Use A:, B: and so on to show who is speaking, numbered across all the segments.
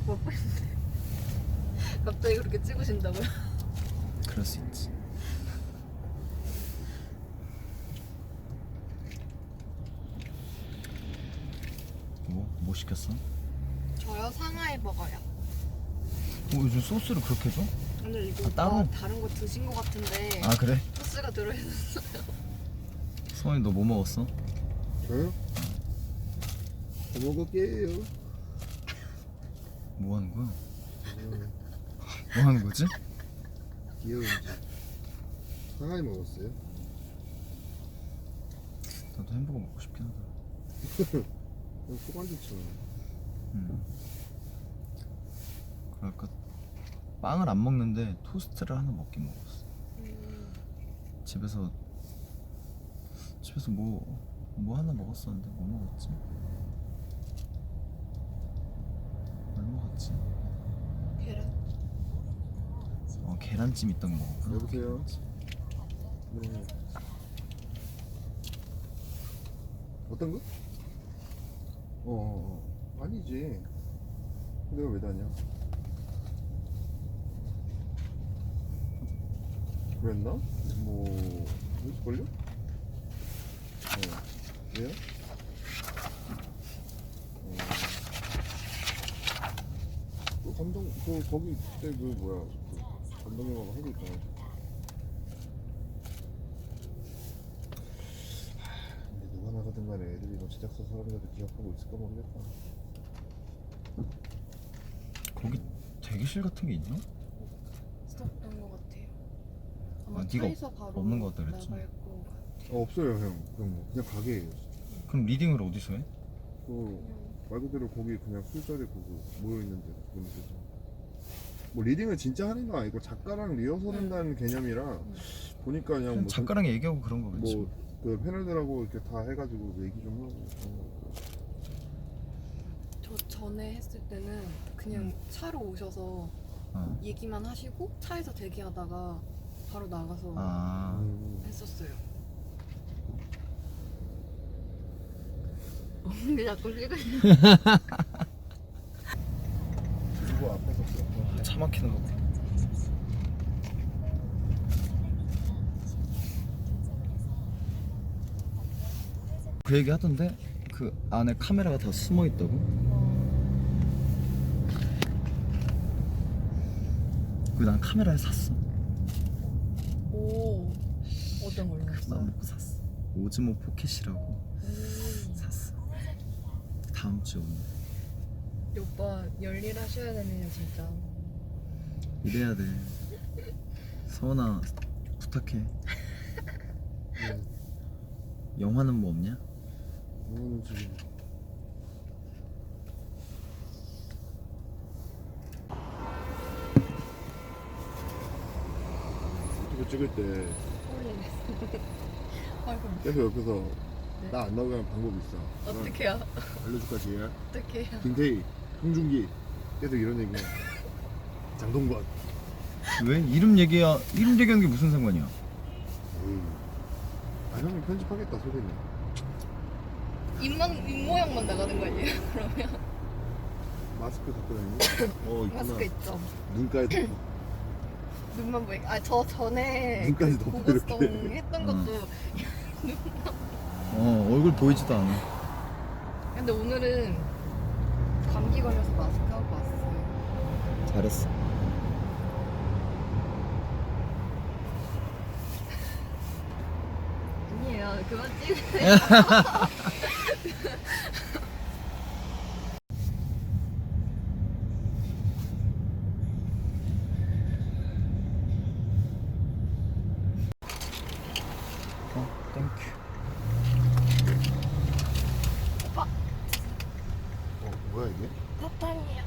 A: 먹고 있는데 갑자기 그렇게 찍으신다고요?
B: 그럴 수 있지. 뭐 시켰어?
A: 저요? 상하이 버거요.
B: 요즘 소스를 그렇게 줘?
A: 오늘 이거
B: 따로?
A: 다른 거 드신 거 같은데
B: 아 그래?
A: 소스가 들어있었어요.
B: 성원이 너 뭐 먹었어?
C: 저요? 더 먹을게요.
B: 뭐 하는 거야? 뭐 하는 거지?
C: 귀여운지. 상하이 먹었어요?
B: 나도 햄버거 먹고 싶긴 하다.
C: 소관 좋죠.
B: 그럴까? 빵을 안 먹는데 토스트를 하나 먹긴 먹었어. 집에서 뭐 하나 먹었었는데 뭐 먹었지? 뭘 먹었지?
A: 계란?
B: 계란찜 있던 거 먹었구나.
C: 여보세요? 네. 어떤 거? 아니지. 내가 왜 다냐? 그랬나? 뭐 있을걸요? 왜요? 거기 그때 감독님하고 하고 있잖아. 근데 누가 나가든 간에 애들이 뭐 제작사 사람들도 기억하고 있을까 모르겠다.
B: 거기 대기실 같은 게 있나?
A: 없던 거 같아요. 아마
B: 네가
A: 차에서 바로
B: 없는 거 같다 그랬지?
A: 나갈 거 같아요.
C: 없어요 형. 그냥 가게예요.
B: 그럼 리딩을 어디서 해?
C: 말 그대로 거기 그냥 술자리 보고 모여있는데 분위기에서 뭐 리딩을 진짜 하는 거 아니고 작가랑 리허설 한다는 개념이라 보니까 그냥
B: 그냥
C: 뭐
B: 작가랑 얘기하고 그런 거겠지.
C: 그 패널들하고 이렇게 다 해가지고 얘기 좀 하고 그런 거.
A: 저 전에 했을 때는 그냥 차로 오셔서 얘기만 하시고 차에서 대기하다가 바로 나가서 했었어요. 근데 자꾸 찍으시는
C: 그리고 앞에서
B: 차 막히는 거 봐. 그 얘기 하던데 그 안에 카메라가 다 숨어 있다고? 그 난 카메라를 샀어.
A: 오, 어떤 걸로
B: 나
A: 샀어요?
B: 먹고 샀어. 오즈모 포켓이라고 샀어. 다음 주 오늘.
A: 오빠 열일하셔야 되네요 진짜.
B: 이래야 돼. 서원아 부탁해. 영화는 뭐 없냐?
C: 이거는 지금 유튜브 찍을 때
A: 아이고
C: 계속 옆에서
A: 네.
C: 나 안 나오게 하는 방법이 있어.
A: 어떡해요?
C: 알려줄까 지금?
A: 어떡해요?
C: 김태희, 홍준기 계속 이런 얘기야. 장동건.
B: 왜? 이름 얘기하는 게 무슨 상관이야?
C: 형이 편집하겠다 소리는.
A: 입 모양만 나가는 거 아니에요? 그러면
C: 마스크 갖고 다니니? 있구나.
A: 마스크 있죠?
C: 눈까지
A: 눈만 보이게. 저 전에
C: 눈까지 덮고
A: 고고성
C: 이렇게.
A: 했던 것도.
B: 얼굴 보이지도 않아.
A: 근데 오늘은 감기 걸려서 마스크 하고 왔어요.
B: 잘했어.
A: 아니에요. 그만 찍으세요.
B: 땡큐.
A: 오빠
C: 뭐야 이게?
A: 사탕이요.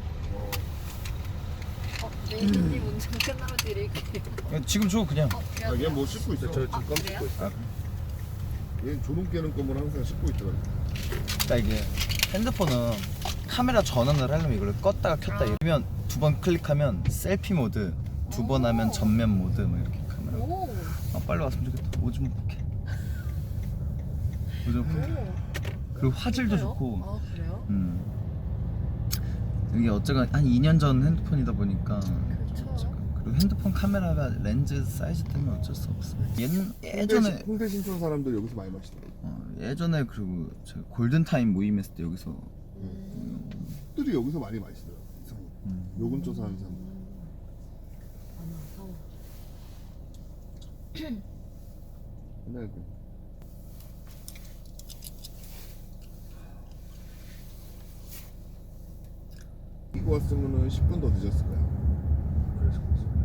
A: 메이님 운전 끝나면 드릴게요.
B: 지금 줘 그냥.
C: 얘 뭐 씻고 있어. 저 지금 껌
A: 그래요?
C: 씻고 있어.
B: 아,
C: 얘 조동 깨는 거면 항상 씻고 있더라.
B: 그러니까 이게 핸드폰은 카메라 전환을 하려면 이걸 껐다가 켰다 이러면 두 번 클릭하면 셀피 모드, 두 번 하면 전면 모드 뭐 이렇게 카메라.
A: 오.
B: 빨리 왔으면 좋겠다. 오즈모 포켓. 오즈모 포켓. 그리고 화질도
A: 그래요?
B: 좋고.
A: 아 그래요?
B: 이게 어쨌건 한 2년 전 핸드폰이다 보니까
A: 그렇죠.
B: 그리고 핸드폰 카메라가 렌즈 사이즈 때문에 어쩔 수 없어. 예전에
C: 홍대 신촌 사람들 여기서 많이 마시더라고.
B: 예전에 그리고 저 골든타임 모임했을 때 여기서
C: 들이 여기서 많이 마시더라고. 이상해. 요금조 사는 사람.
A: 많아서.
C: 옛날에 이거 왔으면은 10분 더 늦었을 거야. 그래서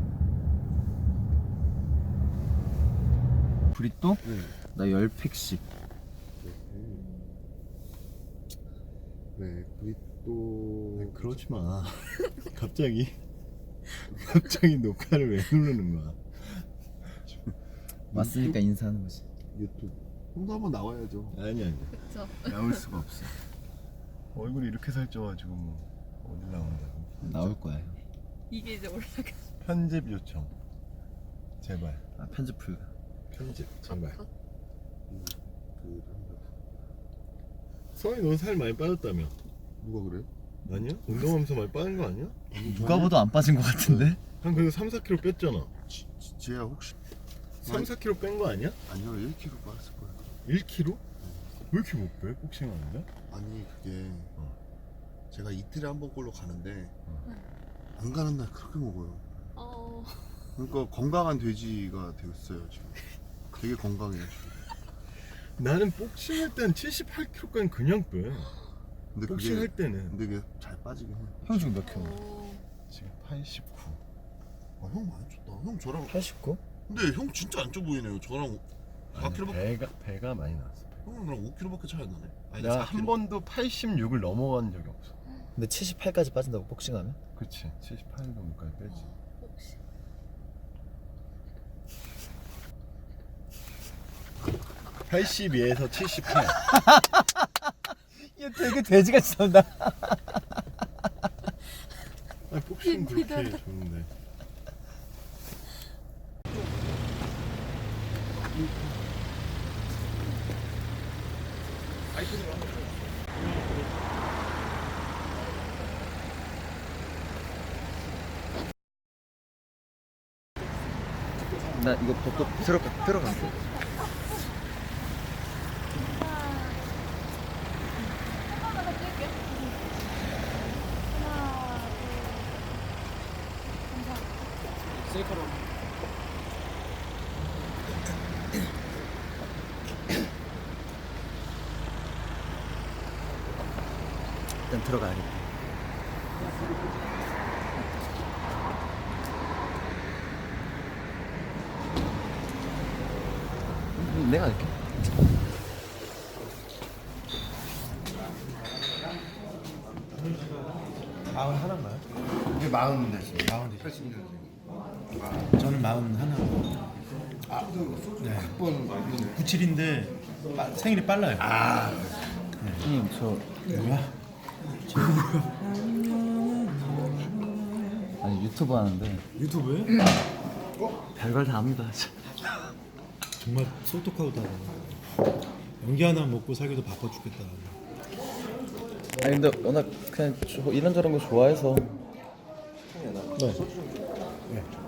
B: 브리또?
C: 네.
B: 나 10팩씩.
C: 그래, 브리또.
D: 그러지 마. 갑자기 녹화를 왜 누르는 거야?
B: 왔으니까 인사하는 거지.
C: 유튜브. 형도 한번 나와야죠.
D: 아니.
A: 그쵸.
B: 나올 수가 없어.
D: 얼굴이 이렇게 살쪄가지고 뭐 어디 나온다고?
B: 나올 거야.
A: 이게 이제 올라가.
D: 편집 요청. 제발.
B: 편집 불가.
D: 편집 제발.
A: 컷.
D: 성이 넌 살 많이 빠졌다며?
C: 누가 그래?
D: 아니야? 운동하면서 많이 빠진 거 아니야?
B: 누가 봐도 안 빠진 것 같은데?
D: 한 그래도 3-4kg 뺐잖아.
C: 지혜야 혹시
D: 3-4kg 뺀 거 아니야?
C: 아니요 1kg 빠졌을 거야.
D: 1kg? 왜 이렇게 못 빼? 복싱 하는데?
C: 아니 그게 제가 이틀에 한 번꼴로 가는데 안 가는 날 그렇게 먹어요. 그러니까 건강한 돼지가 되었어요 지금. 되게 건강해요 지금.
D: 나는 복싱할 땐 78kg까지 그냥 빼.
C: 근데
D: 복싱할 때는.
C: 근데 그게 잘 빠지긴 해.
B: 형 지금 몇 킬로?
D: 지금 89.
C: 형 많이 쪘다. 형 저랑
B: 89?
C: 근데 형 진짜 안 쪄 보이네요. 저랑 4kg밖에
D: 배가 많이 나왔어.
C: 형은 나랑 5kg밖에 차이 안 나네. 아니,
D: 내가
C: 4kg.
D: 한 번도 86을 넘어간 적이 없어.
B: 근데 78까지 빠진다고 복싱하면?
D: 그치 78 정도까지 빼지.
A: 혹시
D: 82에서 78.
B: 얘 되게 돼지같이 나온다.
D: 아니 복싱 그렇게 좋은데.
B: 나 이거 벗고 들어갈게. 일단 들어가야겠다. 내가 할게.
E: 마흔 하나인가요? 이게 마흔 됐어요. 마흔 됐어요. 저는 마흔 하나. 네. 97인데 생일이 빨라요.
B: 형님 저
E: 뭐야?
B: 아니 유튜브 하는데
E: 유튜브에?
B: 별걸 다 합니다.
E: 정말 솔톡하우다. 연기 하나 먹고 살기도 바빠 죽겠다.
B: 아니 근데 워낙 그냥 이런저런 거 좋아해서
E: 네.